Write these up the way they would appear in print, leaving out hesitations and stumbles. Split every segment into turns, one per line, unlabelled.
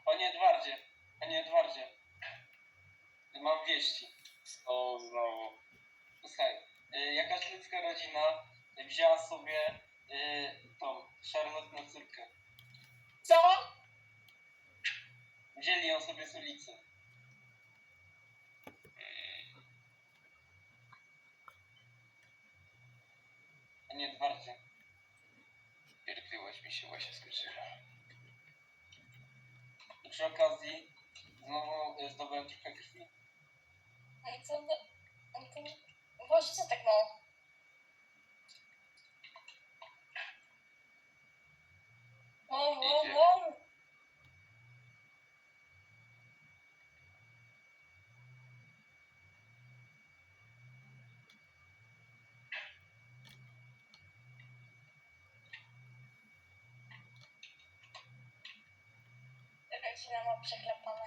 Panie Edwardzie, mam wieści.
O, znowu.
Słuchaj, jakaś ludzka rodzina wzięła sobie tą Charlotte na córkę.
Co?
Wzięli ją sobie z ulicy. Panie Edwardzie.
Pierdliłaś mi się właśnie skończyła.
I przy okazji znowu zdobyłem trochę krwi.
Boże, co tak mało? O. Rodzina ma przeklepane.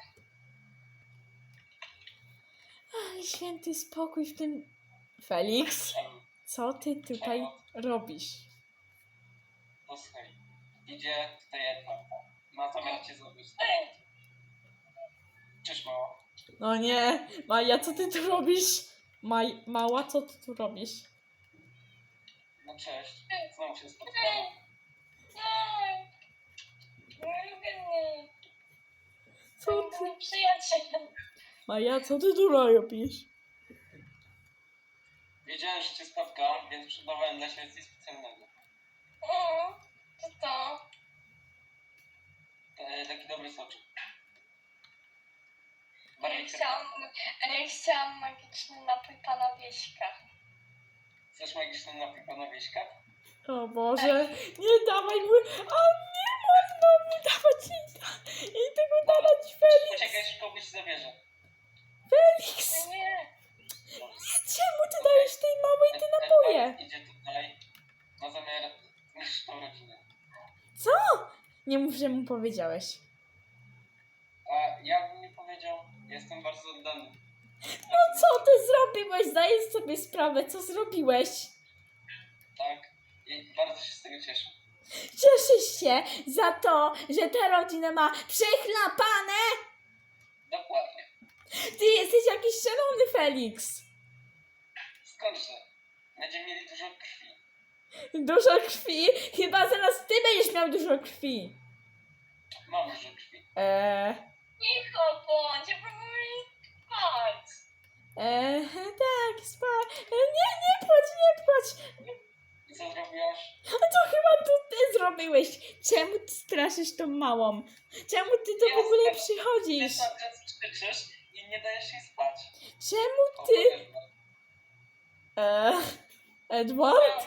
Ale święty spokój w tym... Felix, co ty tutaj robisz?
Posłuchaj, idzie tutaj Edward. Ma zamiar cię zabić. Cześć mała.
No nie, Maja, co ty tu robisz? Mała, co ty tu robisz?
No cześć, znowu się spotkamy.
Co ty?
Mój przyjaciel.
Maja, co ty tu robisz?
Wiedziałem, że cię spotkam, więc przygotowałem dla siebie coś specjalnego.
Co to?
Taki dobry soczek.
Ja chciałam magiczny napój pana Wieśka.
Chcesz magiczny napój pana Wieśka?
O Boże, nie dawaj mu... A nie można mu dawać jej tego dawać, Felix!
Poczekaj, szybko ci zabierze.
Felix!
Nie.
Czemu ty dajesz tej małej te napoje?
Edward idzie tutaj, ma zamiar zniszczyć tą rodzinę.
Co? Nie mów, że mu powiedziałeś.
A ja bym nie powiedział, jestem bardzo oddany.
No co ty zrobiłeś? Zdajesz sobie sprawę, co zrobiłeś?
Tak, i bardzo się z tego cieszę.
Cieszysz się za to, że ta rodzina ma przechlapane?
Dokładnie.
Ty jesteś jakiś szalony, Felix.
Skądże? Będziemy mieli dużo krwi.
Dużo krwi? Chyba zaraz ty będziesz miał dużo krwi.
Mam dużo krwi.
Cicho bądź, ja próbuję spać.
Tak, nie płacz.
I co zrobiłaś?
A to chyba to ty zrobiłeś. Czemu ty straszysz tą małą? Czemu ty to w ogóle
Ty
przychodzisz?
cały czas krzyczysz i nie dajesz jej spać.
Czemu
O,
ty...
Edward.
Edward?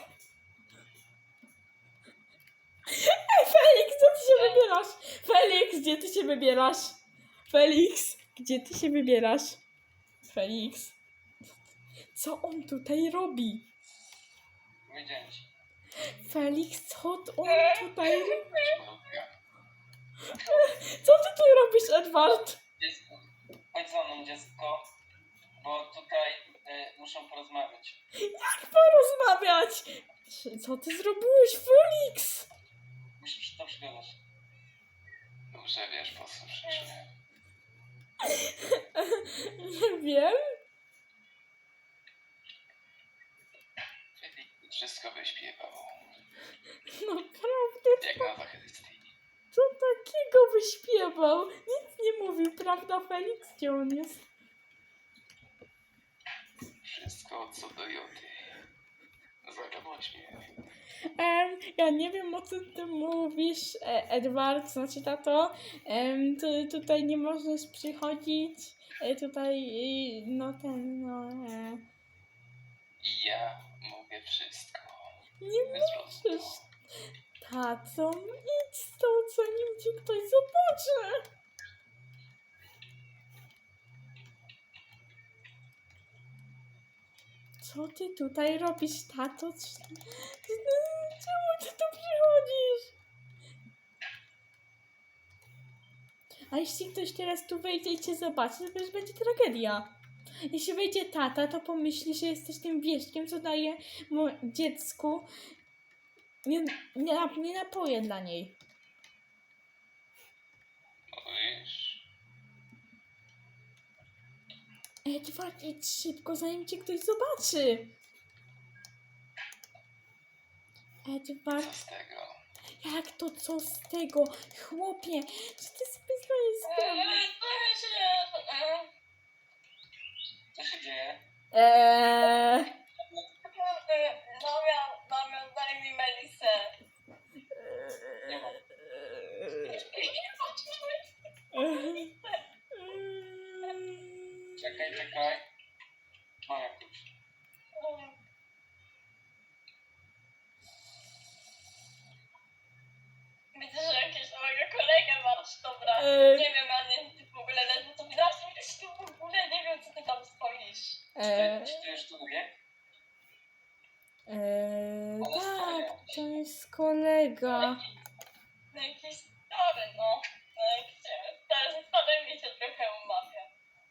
Felix, co ty się wybierasz? Felix, gdzie ty się wybierasz? Felix, gdzie ty się wybierasz? Felix. Co on tutaj robi?
Powiedziałem ci.
Felix, co on tutaj robi?
Malutka.
Co ty tu robisz, Edward?
Dziecko, chodź za mną, dziecko, bo tutaj muszę porozmawiać.
Jak porozmawiać? Co ty zrobiłeś, Felix?
Musisz to przegadać.
Dobrze wiesz, po co przyszły.
Nie wiem.
Wszystko wyśpiewał.
Naprawdę,
Jak na wachrystyni.
co takiego wyśpiewał? Nic nie mówił, prawda, Felix? Gdzie on jest?
Wszystko co do joty. Zagadłaś mnie.
Ja nie wiem, o co ty mówisz, Edward, znaczy tato. Ty tutaj nie możesz przychodzić. Tutaj,
I ja mówię wszystko.
Nie
Bez
możesz.
rozmowy.
Tato, idź stąd, zanim cię ktoś zobaczy. Co ty tutaj robisz, tato? Czemu ty tu przychodzisz? A jeśli ktoś teraz tu wejdzie i cię zobaczy, to już będzie tragedia. Jeśli wejdzie tata, to pomyśli, że jesteś tym wieśkiem, co daje dziecku nie napoje dla niej.
No wiesz,
Edward, idź szybko, zanim cię ktoś zobaczy. Edward,
Co z tego?
jak to co z tego? Chłopie, czy ty sobie zdajesz sprawę?
Co się dzieje?
Damian, daj mi Melisę.
Nie ma. Czekaj. Mam jakąś.
Widzę, że jakieś mojego kolegę masz, dobra. Nie wiem, Ania, ty w ogóle ledwo to widać, tu w ogóle nie wiem, co ty tam stoisz.
Czy ty już tu mówię?
Tak, to jest kolega.
No jakiś stary, no. No jakiś stary mi się trochę umawia.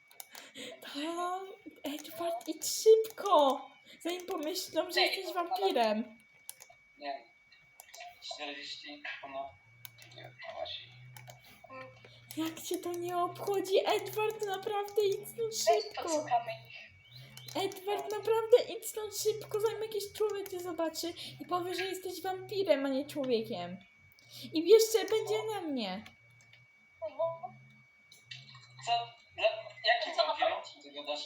Tak, Edward, idź szybko, zanim pomyślą, że jesteś wampirem.
Nie wiem. 40 ponad.
Nie odchodzi.
Jak cię to nie obchodzi? Edward, naprawdę idź stąd
Weź
szybko.
podsłuchamy ich.
Edward, naprawdę idź stąd szybko, zanim jakiś człowiek cię zobaczy i powie, że jesteś wampirem, a nie człowiekiem. I jeszcze będzie na mnie.
No,
Co? Jakim
Co?
wampirem ty gadasz?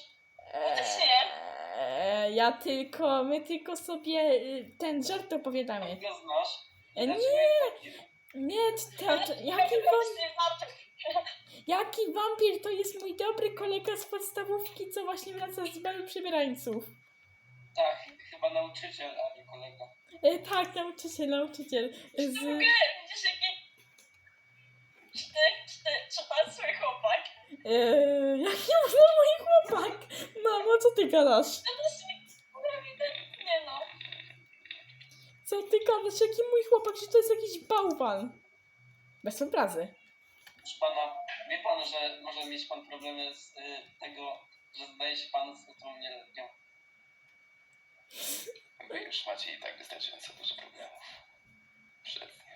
My tylko sobie ten żart opowiadamy.
Go znasz?
Nie,
Dlaczego jest wampirem?
nie, jaki wampir? To jest mój dobry kolega z podstawówki, co właśnie wraca z balu przybierańców.
Tak, chyba nauczyciel, a nie kolega.
Tak, nauczyciel.
w ogóle widzisz jaki... Czy to jest twój chłopak?
Jaki może mój chłopak? Mamo, co ty gadasz?
No to jest ewidentnie, no.
Co ty gadasz? Jaki mój chłopak? Że to jest jakiś bałwan. Bez obrazy.
Proszę pana, wie pan, że może mieć pan problemy z tego, że zdaje się pan z tą nieletnią.
Wy już macie i tak wystarczająco dużo problemów. Przed nią.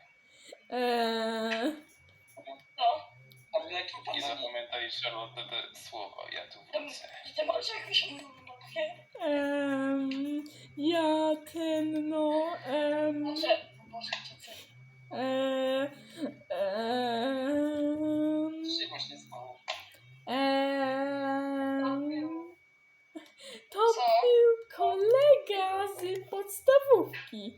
No.
A wy jakim pan
I
ma imię?
zapamiętaj, Charlotte, te słowo, ja tu wrócę.
Ty masz jakąś mówię?
Ja ten, no,
Może cię coś.
Co się właśnie stało?
To
Co?
był kolega z podstawówki.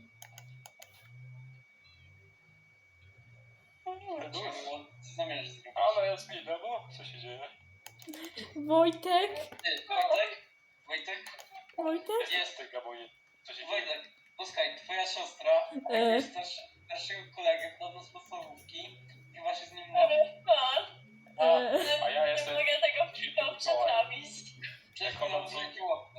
Dlaczego? Co zamierzasz zrobić?
Ale jest mi bo co się dzieje?
Wojtek?
Ty, Wojtek?
Wojtek?
Jest.
Ty, Gabonie, co się dzieje?
Wojtek, posłuchaj, twoja siostra jest starszego kolegę podobno z podstawówki i właśnie z nim mówi.
A ja
Nie
jestem...
mogę tego wszystkiego przetrawić.
Przecież mam wielkie łapy.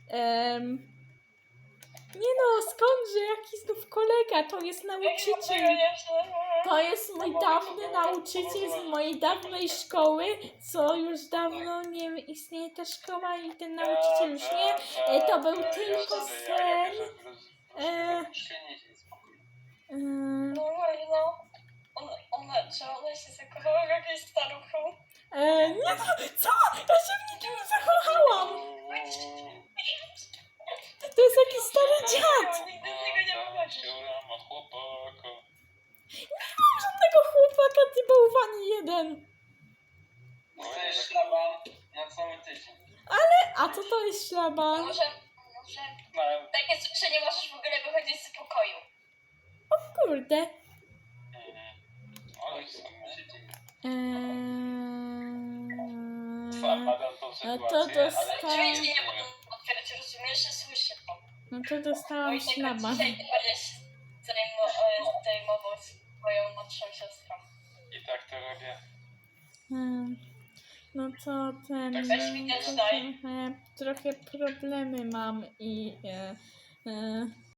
Nie no, skądże, jaki znów kolega? To jest nauczyciel. To jest mój dawny nauczyciel z mojej dawnej szkoły, co już dawno nie istnieje ta szkoła i ten nauczyciel już nie. To był tylko sen.
Już się nie dzieje, spokojnie.
No, czy ona się zakochała w jakiejś staruchu?
Nie no, co? Ja się w niczym nie zakochałam. To jest jakiś stary dziad.
Nigdy z niego nie wychodzisz.
Ma chłopaka.
Żadnego chłopaka, ty bałwani jeden.
Dostajesz szlaban na cały tydzień.
A co to jest szlaban?
Może takie coś, że nie możesz w ogóle wychodzić z pokoju.
Kurde.
Ale
Co się dzieje?
sam badam tą
No
sytuację,
to
ale
dostałem.
Oczywiście nie mogę otwierać, rozumiesz, że słyszę to.
No to dostałam
Wojtek,
szlaban.
dzisiaj ty będziesz zajmował swoją młodszą siostrą.
I tak to robię.
No to ten.
Weź mi też daj.
Trochę problemy mam i